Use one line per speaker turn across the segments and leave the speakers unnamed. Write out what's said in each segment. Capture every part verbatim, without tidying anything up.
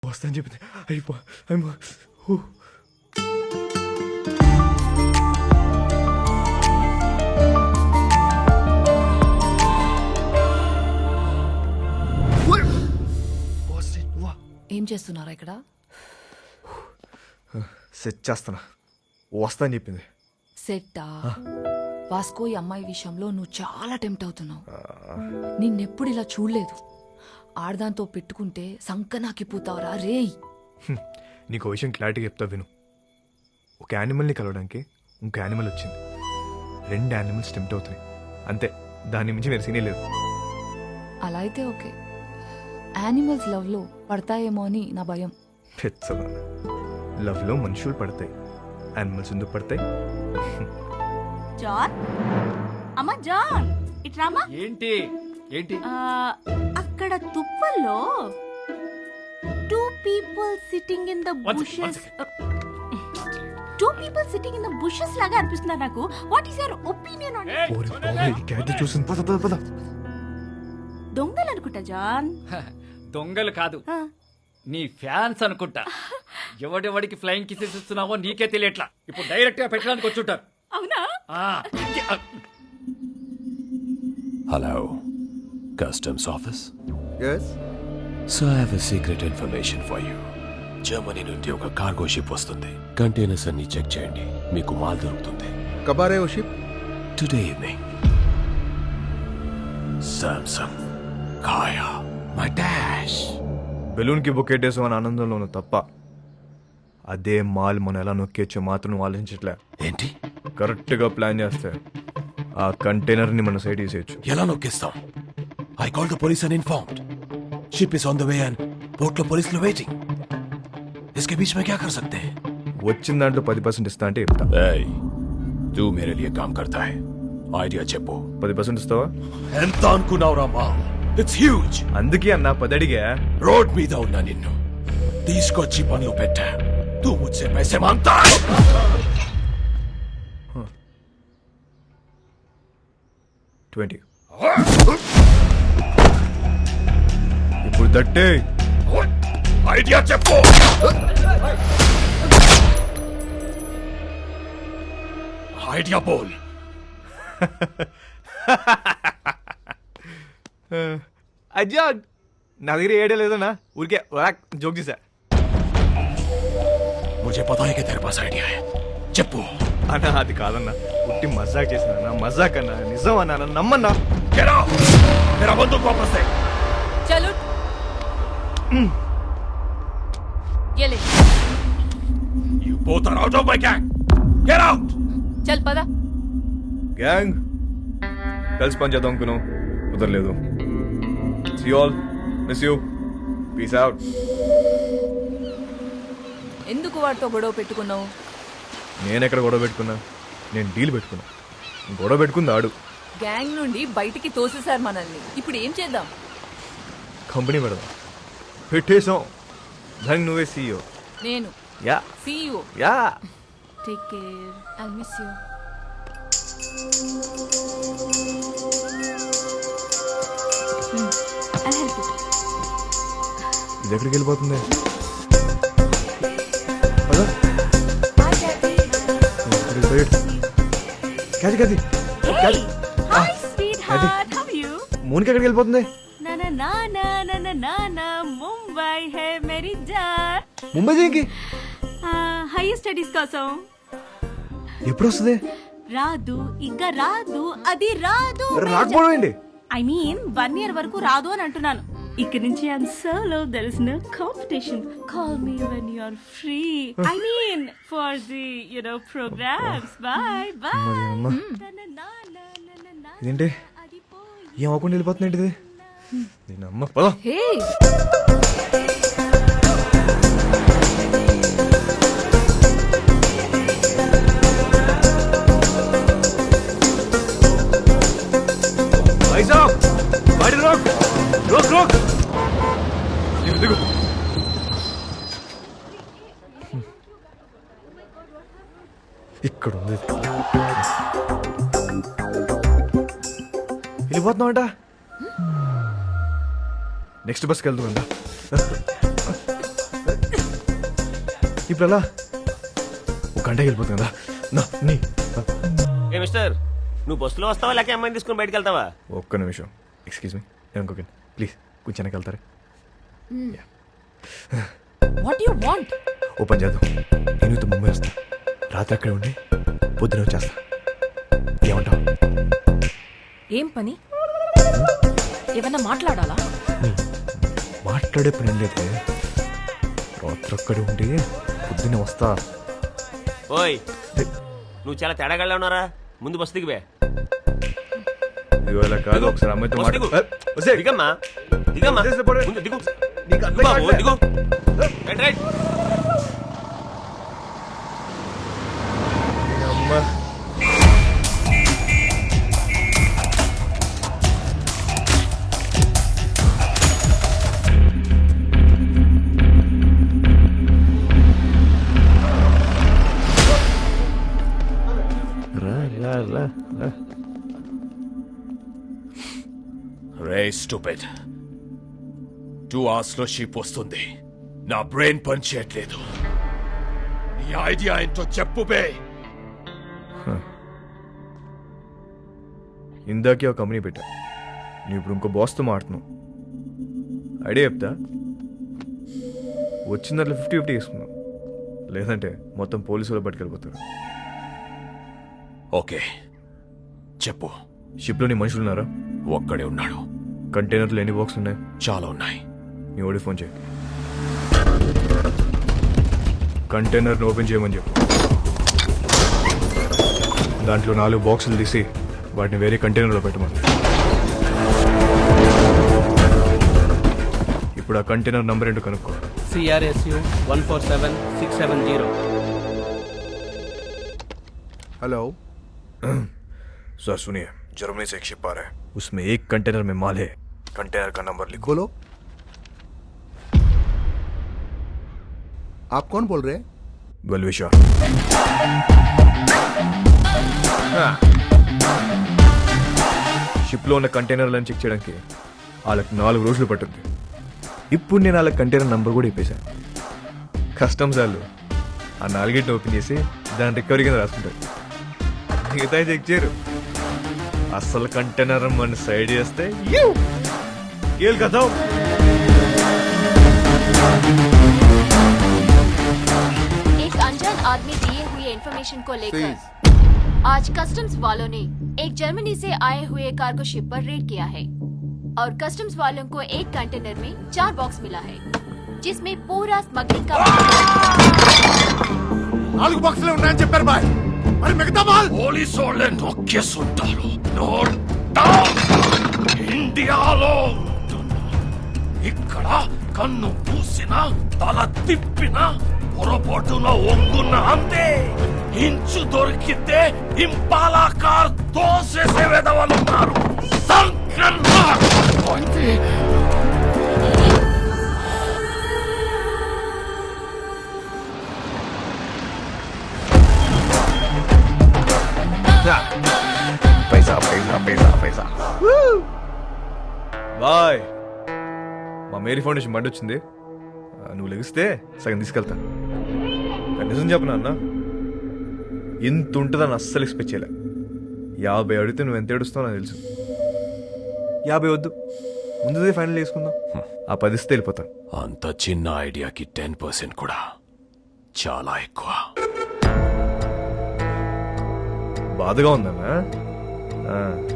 వస్తాను చెప్పింది అయిపో అయిపో
ఏం చేస్తున్నారా ఇక్కడ?
సెట్ చేస్తానా వస్తా అని చెప్పింది.
సెట్టా? వాస్కో ఈ అమ్మాయి విషయంలో నువ్వు చాలా టెంప్ట్ అవుతున్నావు. నిన్నెప్పుడు ఇలా చూడలేదు. ఆడదాంతో పెట్టుకుంటే సంకనాకిపోతావరా రేయ్.
నీకు విషయం క్లారిటీగా చెప్తా విను. ఒక యానిమల్ని కలవడానికి ఇంకో యానిమల్ వచ్చింది. రెండు యానిమల్స్ టెంప్ట్ అవుతున్నాయి అంతే, దాని మించి వేరే సీనే లేదు.
అలా అయితే ఓకే. యానిమల్స్ లవ్ లో పడతాయేమో అని నా భయం.
పెచ్చదా, లవ్ లో మనుషులు పడతాయి, యానిమల్స్ ఎందుకు పడతాయి?
జాన్, అమ్మా జాన్, ఇట్రామా.
ఏంటి ఏంటి
అక్కడ తుప్పల్లో two people sitting in the bushes two people sitting in the bushes లాగా అనిపిస్తున్నారు నాకు. What is your opinion on it?
ఓరే బాబోయ్, ఈ క్యాట్ చూసింది. పద పద పద.
దొంగలు అనుకుంటా జాన్.
దొంగలు కాదు, నీ ఫ్యాన్స్ అనుకుంటా. ఎవడెవడికి ఫ్లైయింగ్ కిసెస్ ఇస్తున్నావో నీకే తెలియట్లా. ఇప్పుడు డైరెక్ట్ గా పెట్టడానికి వచ్చుంటారు.
అవునా?
Hello, Customs Office?
Yes?
So I have a secret information for you. Germany నుండి ఒక కార్గో షిప్ వస్తుంది. కంటైనర్స్ అన్ని చెక్ చేయండి, మీకు మాల్ దొరుకుతుంది.
కబారే ఓ షిప్?
Today evening. సామ్సంగ్ కాయా మై డాష్.
బెలూన్ కి బొక్కేటేసాం అని ఆనందంలో ఉన్న తప్ప అదే మాల్ మనం ఎలా నొక్కేచ్చో మాత్రం ఆలోచించట్లే.
ఏంటి?
కరెక్ట్ గా ప్లాన్ చేస్తే ఆ కంటైనర్ ని మన సైడ్ తీసేయచ్చు.
ఎలా నొక్కేస్తాం? I call the police and informed. Ship is on the way and port లో పోలీసులు వెయిటింగ్. इसके बीच में क्या कर सकते हैं?
వచ్చిన దాంట్లో పది పర్సెంట్ ఇస్తా అంటే చెప్తా.
Hey, तू मेरे लिए काम करता है. ఐడియా చెప్పు.
పది పర్సెంట్ ఇస్తావా?
ఎంత అనుకున్నావురా మా? It's huge.
అందుకే అన్న పదడిగా
రోడ్ మీద ఉన్నా నిన్ను తీసుకొచ్చి పనులు పెట్టా. तू मुझसे पैसे मांगता है?
ట్వంటీ. ఇప్పుడు దట్టే
ఐడియా చెప్పు. ఐడియా బోల్.
అజ్జా నా దగ్గర ఏడే లేదన్నా, ఊరికే జోక్ చేశా.
मुझे पता है कि तेरे पास आइडिया है. చెప్పు.
అన్నా అది కాదన్నా, ఉట్టి మజాక్ చేసిన మజాక్ అన్నా, నిజం అన్నా, నమ్మన్నా.
Get out! मेरा बंदूक वापस दे.
చలో ये ले.
You both are out of my gang. Get out!
చల్ పద.
గ్యాంగ్ కలిసి పని చేద్దాం అనుకున్నాం, కుదరలేదు. See you all. Miss you. Peace out.
ఎందుకు వాడితో గొడవ పెట్టుకున్నావు?
నేను ఎక్కడ గొడవ పెట్టుకున్నా? నేను డీల్ పెట్టుకున్నా. గొడవ పెట్టుకుంది ఆడు.
గ్యాంగ్ నుండి బయటికి తోసేశారు మనల్ని. ఇప్పుడు ఏం చేద్దాం?
కంపెనీ పెడదాం. పెట్టేసాం. దానికి నువ్వే సీఈఓ.
నేను
yeah
CEO.
Yeah
take care.
I'll miss you.
I'll help you.
ఇది ఎక్కడికి వెళ్ళిపోతుంది? పద. క్యాది క్యాది
Hey, hi sweetheart. How are you?
మోనికి ఎక్కడికి వెళ్ళిపోతుంది?
నా నా నా నా నా నా నా నా ముంబై హే మేరీ జాన్.
ముంబై దేనికి?
హైయర్ స్టడీస్ కోసం.
ఎప్పుడు వస్తుంది?
రాదు, ఇంకా రాదు, అది రాదు.
రాకపోవడం ఏంటి?
ఐ మీన్ వన్ ఇయర్ వరకు రాదు అని అంటున్నాను. ఇక్కడ నుంచి I'm solo, there is no competition. Call me when you are free. I mean for the you know programmes. Bye bye.
ఇదేంటి ఏం అవ్వకుండా వెళ్ళిపోతుంది ఏంటిది? నేను అమ్మ పద.
హే
भाई साहब गाड़ी रोक रोक रोक. देखो देखो ఇక్కడ ఉంది. వెళ్ళిపోతున్నామంట. నెక్స్ట్ బస్కి వెళ్తుందా? ఇప్పుడు అలా ఒక గంటకి వెళ్ళిపోతుంది కదా నా నీ
ఏ మిస్టర్ నువ్వు బస్సులో వస్తావా లేక అమ్మాయిని తీసుకుని బయటకు వెళ్తావా?
ఒక్క నిమిషం ఎక్స్క్యూజ్ మీ నేను ఇంకొక ప్లీజ్ కొంచెం వెనక్కి వెళ్తారా
వాట్ యు వాంట్?
ఓ పని చేద్దాం నేను ఇంత ముంబై వస్తా రాత్రి అక్కడే ఉండి పొద్దున వచ్చేస్తా ఏమంటావు?
ఏం పని? ఏమన్నా మాట్లాడాలా?
మాట్లాడే పని లేదు రాత్రి అక్కడే ఉండి పొద్దున్నే వస్తా.
ఓయ్ నువ్వు చాలా తేడాగా ఉన్నారా, ముందు బస్సు దిగివే.
ఇవాళ కాదు ఒకసారి అమ్మాయితో
బస్సు దిగు.
మాట్లాడు
దిగమ్మా దిగమ్మా
వదిలేసి పోరే.
ముందు దిగు
నీకు అర్థం
దిగు బాబు,
కావట్లే.
దిగు రైట్ రైట్
అమ్మా రా రా రా రా
రే స్టూపిడ్ టూ అవర్స్ లో షిప్ వస్తుంది. నా బ్రెయిన్ పని చేయట్లేదు. నీ ఐడియా ఏంటో చెప్పు బే.
ఇందాకే ఒక కంపెనీ పెట్టా నువ్వు ఇప్పుడు ఇంకో బాస్తో మాడుతున్నావు. ఐడియా చెప్తా వచ్చిన దాంట్లో ఫిఫ్టీ ఫిఫ్టీ వేసుకున్నావు లేదంటే మొత్తం పోలీసులు పట్టుకెళ్ళిపోతారు.
ఓకే చెప్పు.
షిప్లో నీ మనుషులు ఉన్నారా?
ఒక్కడే ఉన్నాడు.
కంటైనర్లు ఎన్ని బాక్స్ ఉన్నాయి?
చాలా ఉన్నాయి.
నీ ఓడి ఫోన్ చేయి కంటైనర్ని ఓపెన్ చేయమని చెప్పు. దాంట్లో నాలుగు బాక్సులు తీసి వాటిని వేరే కంటైనర్లో పెట్టమని. ఇప్పుడు ఆ కంటైనర్ నంబర్ ఏంటో కనుక్కో.
C R S U one four seven six seven zero.
Hello sir सुनिए जर्मनी से एक शिप आ रहा है उसमें एक कंटेनर में माल है कंटेनर का नंबर लिखो.
बोलो आप कौन बोल रहे हैं?
बलविशा షిప్లో ఉన్న కంటైనర్లను చెక్ చేయడానికి వాళ్ళకి నాలుగు రోజులు పట్టుద్ది. ఇప్పుడు నేను వాళ్ళ కంటైనర్ నంబర్ కూడా ఇప్పేశాను. కస్టమ్స్ వాళ్ళు ఆ నాలుగేటిని ఓపెన్ చేసి దాని రికవరీ కింద రాసుకుంటారు. మిగతా చెక్ చేయరు. అసలు కంటైనర్ మన సైడ్ చేస్తే ఏల్ కదా.
एक अनजान आदमी दिए हुए इंफॉर्मेशन को लेकर आज कस्टम्स वालों ने एक जर्मनी से आए हुए कार्गो शिप पर रेड किया है और कस्टम्स वालों को एक कंटेनर में चार बॉक्स मिला है जिसमें पूरा स्मगलिंग का
నాలుగు బాక్సులు ఉన్నాయని చెప్పారు బాయ్, మరి మిగతా మాల్?
పోలీసు వాళ్ళే నొక్కేస్తుంటారు. Note down. ఇండియాలో ఇక్కడ కన్ను పూసిన తల తిప్పిన పొరపాటున ఒంగున్న అంతే. ఇంచు దొరికితే ఇంపాలా కార్ తోసేసే వెదవలున్నారు. సంకన్నా
పైసా పైసా పైసా పైసా బాయ్. మా మేరీ ఫౌండేషన్ బండి వచ్చింది. ఆ, నువ్వు లెగిస్తే సగం తీసుకెళ్తా. కానీ నిజం చెప్పనా అన్న ఇంత ఉంటుందని అస్సలు ఎక్స్పెక్ట్ చేయలే. యాభై అడిగితే నువ్వు ఎంత ఏడుస్తావు నాకు తెలుసు. యాభై వద్దు ముందుదే ఫైనల్ చేసుకుందాం. ఆ పదిస్తే వెళ్ళిపోతా.
అంత చిన్న ఐడియాకి టెన్ పర్సెంట్ కూడా చాలా ఎక్కువ.
బాధగా ఉందన్నా. ఆ.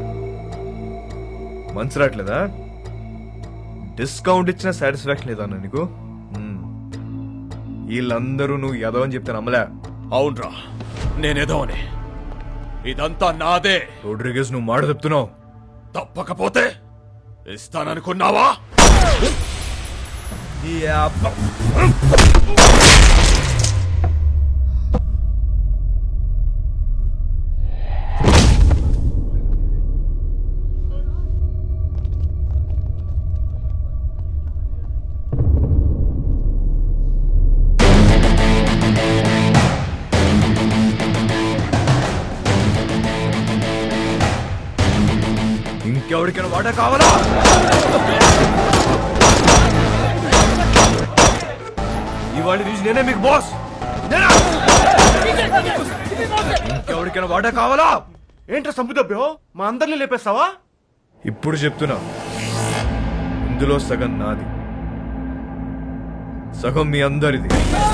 మనసు రావట్లేదా? డిస్కౌంట్ ఇచ్చిన సాటిస్ఫాక్షన్ లేదా అన్న నీకు? మ్మ్. వీళ్ళందరూ నువ్వు ఎదవని చెప్తే నమ్మలే.
అవునరా నేనేదో అని. ఇదంతా నాదే.
రోడ్రిగేస్ నువ్వు మాట చెప్తున్నావు.
తప్పకపోతే ఇస్తాననుకున్నావా?
ఈ అబ్బ- ఇంకెవరికైనా వాటా కావాలా? ఇవాళ నుంచి నేనే మీకు బాస్. ఇంకెవరికైనా వాటా కావాలా?
ఏంట్రా సంపుదబ్బో మా అందరిని లేపేస్తావా?
ఇప్పుడు చెప్తున్నా, ఇందులో సగం నాది, సగం మీ అందరిది.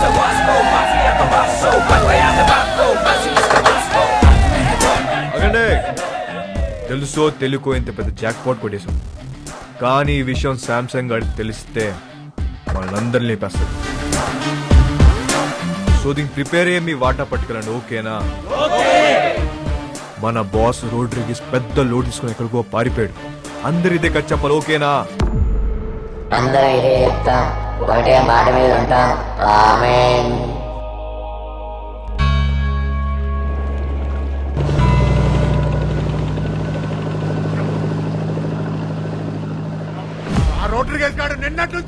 అగండి, తెలుసో తెలుకో ఇంత పెద్ద జాక్ పాట్ కొట్టేశాం, కానీ ఈ విషయం శాంసంగ్ గారికి తెలిస్తే వాళ్ళందరినీ లేపేస్తారు. సో దీనికి ప్రిపేర్ అయ్యే మీ వాటా పట్టుకెళ్ళండి, ఓకేనా? మన బాస్ రోడ్రిగిస్ పెద్ద లోడ్ తీసుకుని ఎక్కడికో పారిపోయాడు, అందరి ఇదే కట్ చెప్పాలి, ఓకేనా?
అందరూ ఇదే చెప్తాం, ఒకటే మాట మీద ఉంటాం. ఆమేన్.
ఆ రోడ్డు గేస్ గాడు నిన్నట్టు